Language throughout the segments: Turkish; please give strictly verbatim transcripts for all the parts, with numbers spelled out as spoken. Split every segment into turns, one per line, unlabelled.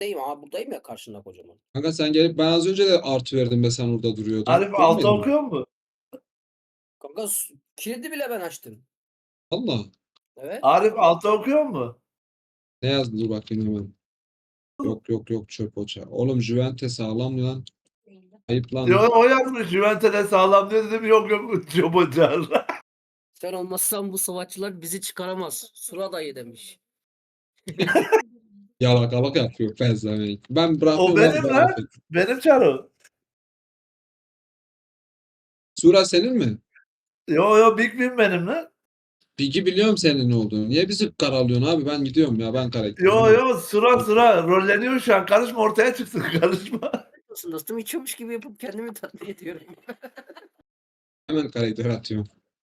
Buradayım abi, buradayım ya karşında kocaman.
Kanka sen gelip ben az önce de artı verdim be sen orada duruyordun.
Arif altı
Görmedin mi?
okuyor mu?
Kanka s kilidi bile ben açtım.
Valla.
Evet.
Arif altı okuyor mu?
Ne yazdı dur bakayım hemen. Yok yok yok çöp o ça. Oğlum Juventus sağlam lan. Ayıp lan.
Yo o yazmış Juventus'e sağlam diyor dedim yok yok çöp ocağı.
Sen olmazsan bu savaşçılar bizi çıkaramaz. Sura dayı demiş.
Yalakalık yapıyor pezevenk. Ben
O
bırakıyorum abi
benim
ben
lan.
affet.
Benim Çaro.
Sura senin mi?
Yo yo Big Win benim lan.
Bilgi biliyorum senin ne olduğunu. Niye bizi karalıyorsun abi? Ben gidiyorum ya ben karakterim.
Yo yo sıra sıra rolleniyor şu an. Karışma ortaya çıksın karışma.
Nasıl dostum içiyormuş gibi yapıp kendimi tatmin ediyorum.
Hemen karakter atıyorum.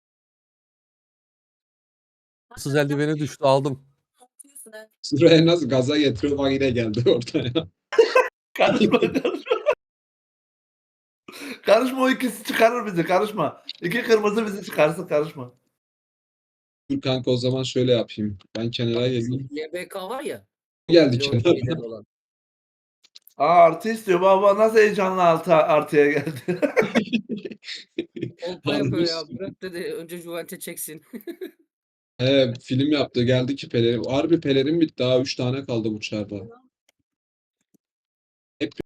Sız eldiveni düştü aldım.
Sura'ya nasıl gaza getiriyor bak yine geldi ortaya.
Karışma karışma. Karışma o ikisi çıkarır bizi karışma. İki kırmızı bizi çıkarsın karışma.
Dur kanka o zaman şöyle yapayım. Ben kenara geleyim.
L B K var ya.
Geldi
LoL
kenara.
lideri olan.
Aa artı istiyor. Baba nasıl heyecanlı altı artıya geldi.
Kolpa yapıyor ya. Bırak dedi önce Juventus çeksin.
He, film yaptı geldi ki pelerin. Harbi pelerin bitti daha üç tane kaldı bu çarda. Hep